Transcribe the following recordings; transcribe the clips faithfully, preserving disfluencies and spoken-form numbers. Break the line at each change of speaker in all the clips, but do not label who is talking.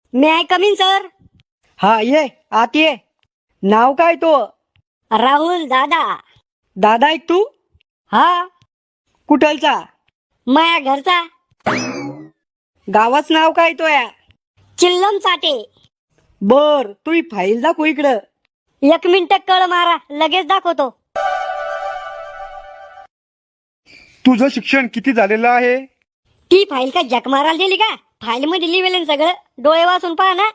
May I come in sir?
हा ये आत ये. नाव काय तो?
राहुल दादा.
दादा ऐक तू
हा,
कुठलचा?
माया घरचा.
गावाच नाव काय तो या?
चिल्लम चाटे.
बर तू ही फाईल दाखव इकडं.
एक मिनिट कळ मारा, लगेच दाखवतो.
तुझं शिक्षण किती झालेलं आहे?
ती फाईल का जक मारायला दिली का? फाईल मध्ये लिहिलेलं सगळं, डोळे वाचून पहा ना.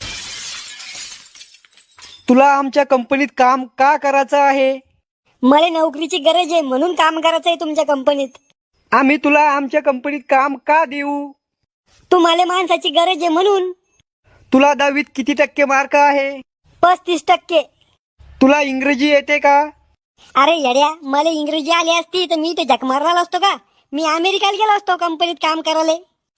तुला आमच्या कंपनीत काम का करायचं आहे?
मला नोकरीची गरज आहे म्हणून काम करायचंय तुमच्या कंपनीत.
आम्ही तुला आमच्या कंपनीत काम का देऊ?
तुम्हाला माणसाची गरज आहे म्हणून.
तुला दहावीत किती टक्के मार्क आहे?
पस्तीस टक्के.
तुला इंग्रजी येते का?
अरे येड्या, मला इंग्रजी आली असती तर मी ते जक मारला असतो का? मी अमेरिकेला गेलो असतो कंपनीत काम करायला.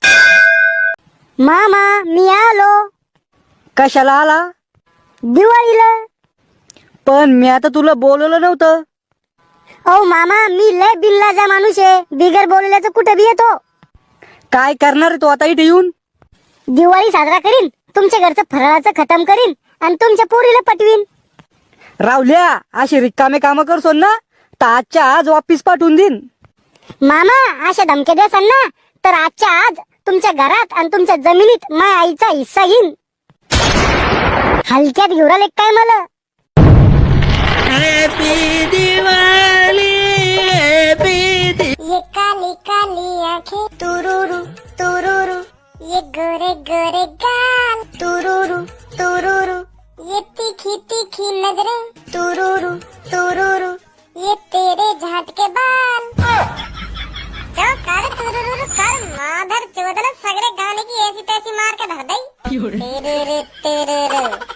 मामा मी आलो.
कशाला आला?
दिवाळीला.
पण मी आता तुला बोलवलं नव्हतं.
ओ मामा, मी लय बिल्लाचा माणूस आहे, बिगर बोलल्याचं कुठे बी येतो.
काय करणार आहे तू आता इथे येऊन?
दिवाळी साजरा करीन, तुमच्या घरचं फराळाचं खतम करीन आणि तुमच्या पोरीला पटवीन.
रावल्या अशी रिकामे काम करसोन ना तर आजच्या आज वापिस पाठवून देईन.
मामा अशा धमक्या द्यासान ना तर आजच्या आज तुमच्या घरात आणि तुमच्या जमिनीत माझ्या आईचा हिस्सा घेईन. हलक्यात घेऊन आले काय मला?
हॅपी दिवाळी, हॅपी
ये काली काली आंखें तुरुरु तुरुरु, ये गोरे गोरे गाल तुरुरु तुरुरु, ये तीखी तीखी नजरें तुरुरु तुरुरु, ये तेरे झाट के बाल. जो कर तुरुरु कर माधर चोदल सगळे गाने की ऐसी तैसी मार के धर दई. तेरे रे तेरे रे